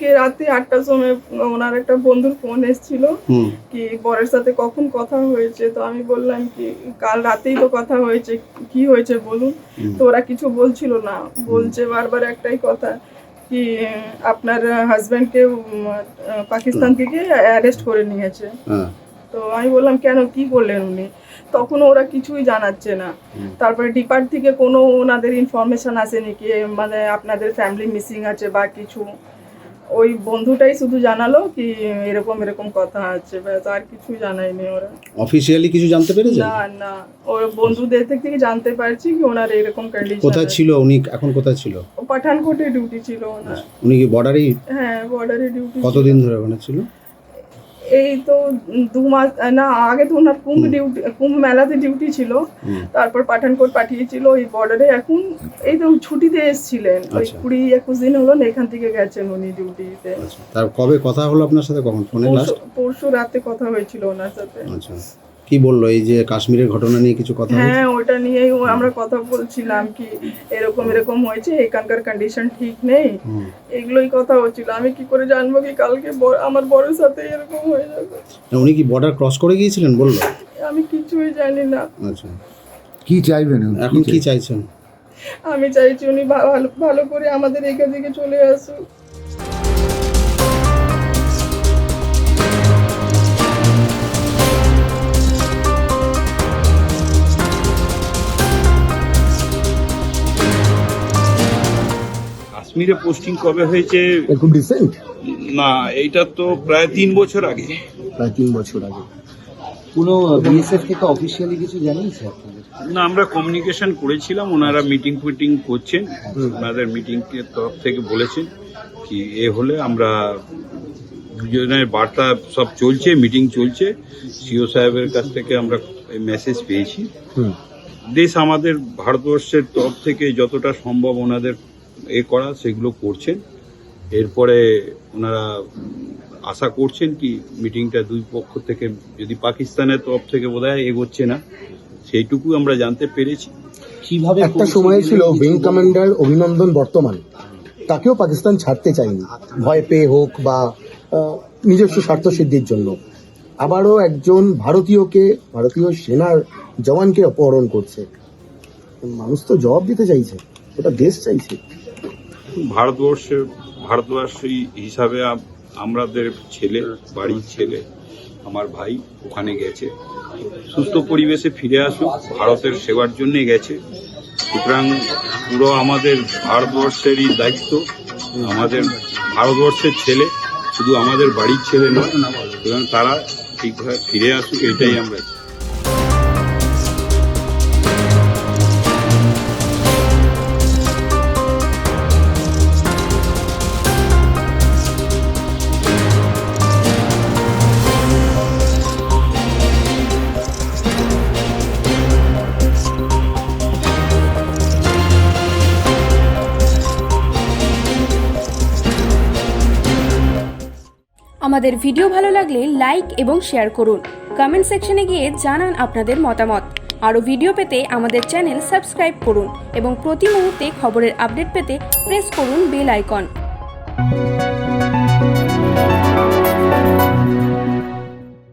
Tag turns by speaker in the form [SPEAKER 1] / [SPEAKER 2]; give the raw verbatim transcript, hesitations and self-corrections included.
[SPEAKER 1] রাতে আটটার সময় ওনার একটা বন্ধুর ফোন এসেছিল কি বরের সাথে কখন কথা হয়েছে, তো আমি বললাম কি কাল রাতেই তো কথা হয়েছে, কি হয়েছে বলুন। তো ওরা কিছু বলছিল না, বলছে বারবার একটাই কথা কি আপনার হাজব্যান্ডকে পাকিস্তান থেকে অ্যারেস্ট করে নিয়েছে। তো আমি বললাম কেন, কি করলেন উনি? তখন ওরা কিছুই জানাচ্ছে না। তারপরে ডিপার্ট থেকে কোনো ওনাদের ইনফরমেশন আসেনি কি মানে আপনাদের ফ্যামিলি মিসিং আছে বা কিছু। ওই বন্ধুটাই শুধু জানালো কি এরকম এরকম কথা আছে, ব্যাস আর কিছু জানায়নি ওরা।
[SPEAKER 2] অফিশিয়ালি কিছু জানতে পেরেছেন?
[SPEAKER 1] না না, ওর বন্ধুদের থেকে জানতে পারছি কি ওনার এরকম কন্ডিশন।
[SPEAKER 2] কোথায় ছিল উনি এখন, কোথায় ছিল?
[SPEAKER 1] পাঠানকোটে ডিউটি ছিল ওনার।
[SPEAKER 2] উনি কি বর্ডারেই?
[SPEAKER 1] হ্যাঁ বর্ডারে ডিউটি।
[SPEAKER 2] কতদিন ধরে ওখানে ছিল?
[SPEAKER 1] এই তো দু মাস না, আগে তো ওনার কুম্ভ ডিউটি, কুম্ভ মেলাতে ডিউটি ছিল, তারপর পাঠানকোট পাঠিয়েছিল ওই বর্ডারে। এখন এই তো ছুটিতে এসেছিলেন, ওই কুড়ি একুশ দিন হলো না এখান থেকে গেছেন উনি ডিউটিতে।
[SPEAKER 2] তার কবে কথা হলো আপনার সাথে, কখন ফোনে? লাস্ট
[SPEAKER 1] পরশু রাতে কথা হয়েছিল ওনার সাথে।
[SPEAKER 2] আচ্ছা, কি বললো এই যে কাশ্মীরের ঘটনা নিয়ে কিছু কথা?
[SPEAKER 1] হ্যাঁ ওটা নিয়েই আমরা কথা বলছিলাম কি এরকম এরকম হয়েছে, এখানকার কন্ডিশন ঠিক নেই, এগুলোই কথা হচ্ছিল। আমি কি করে জানবো কি কালকে আমার বড়ের সাথে এরকম হয়ে যাবে?
[SPEAKER 2] উনি কি বর্ডার ক্রস করে গিয়েছিলেন বললো?
[SPEAKER 1] আমি কিছুই জানি না।
[SPEAKER 2] আচ্ছা,
[SPEAKER 3] কি চাইবেন
[SPEAKER 2] এখন, কি চাইছেন?
[SPEAKER 1] আমি চাইছি উনি ভালো ভালো করে আমাদের এখান থেকে চলে আসুক।
[SPEAKER 4] কাশ্মীরে পোস্টিং কবে হয়েছে?
[SPEAKER 3] খুব রিসেন্ট
[SPEAKER 4] না, এইটা তো প্রায় তিন বছর আগে।
[SPEAKER 3] প্রায় তিন বছর আগে। কোনো বিএসএফ থেকে অফিসিয়ালি কিছু জানিয়েছে আপনাদের?
[SPEAKER 4] না, আমরা কমিউনিকেশন করেছিলাম, ওনারা মিটিং ফিটিং করছেন, ওনাদের মিটিং এর তরফ থেকে বলেছেন কি এ হলে আমরা দুজনের বার্তা সব চলছে, মিটিং চলছে। সিও সাহেবের কাছ থেকে আমরা মেসেজ পেয়েছি। দেশ আমাদের ভারতবর্ষের তরফ থেকে যতটা সম্ভব ওনাদের এ করা সেগুলো করছেন। এরপরে ওনারা আশা করছেন কি মিটিংটা দুই পক্ষ থেকে, যদি পাকিস্তানের তরফ থেকে বোধহয় এগোচ্ছে না, সেইটুকু আমরা জানতে পেরেছি।
[SPEAKER 3] কিভাবে একটা সময় ছিল উইং কমান্ডার অভিনন্দন বর্তমান, তাকেও পাকিস্তান ছাড়তে চায়নি, ভয় পেয়ে হোক বা নিজস্ব স্বার্থ সিদ্ধির জন্য। আবারও একজন ভারতীয়কে, ভারতীয় সেনার জওয়ানকে অপহরণ করছে। মানুষ তো জবাব দিতে চাইছে, ওটা দেশ চাইছে।
[SPEAKER 4] ভারতবর্ষে ভারতবাসী হিসাবে আমাদের ছেলে, বাড়ির ছেলে, আমার ভাই ওখানে গেছে, সুস্থ পরিবেশে ফিরে আসুক, ভারতের সেবার জন্যে গেছে। সুতরাং পুরো আমাদের ভারতবর্ষেরই দায়িত্ব, আমাদের ভারতবর্ষের ছেলে, শুধু আমাদের বাড়ির ছেলে নয়। সুতরাং তারা ঠিকভাবে ফিরে আসুক, এটাই আমরা।
[SPEAKER 5] আমাদের ভিডিও ভালো লাগলে লাইক এবং শেয়ার করুন। কমেন্ট সেকশনে গিয়ে জানান আপনাদের মতামত। আরও ভিডিও পেতে আমাদের চ্যানেল সাবস্ক্রাইব করুন এবং প্রতি মুহূর্তে খবরের আপডেট পেতে প্রেস করুন বেল আইকন।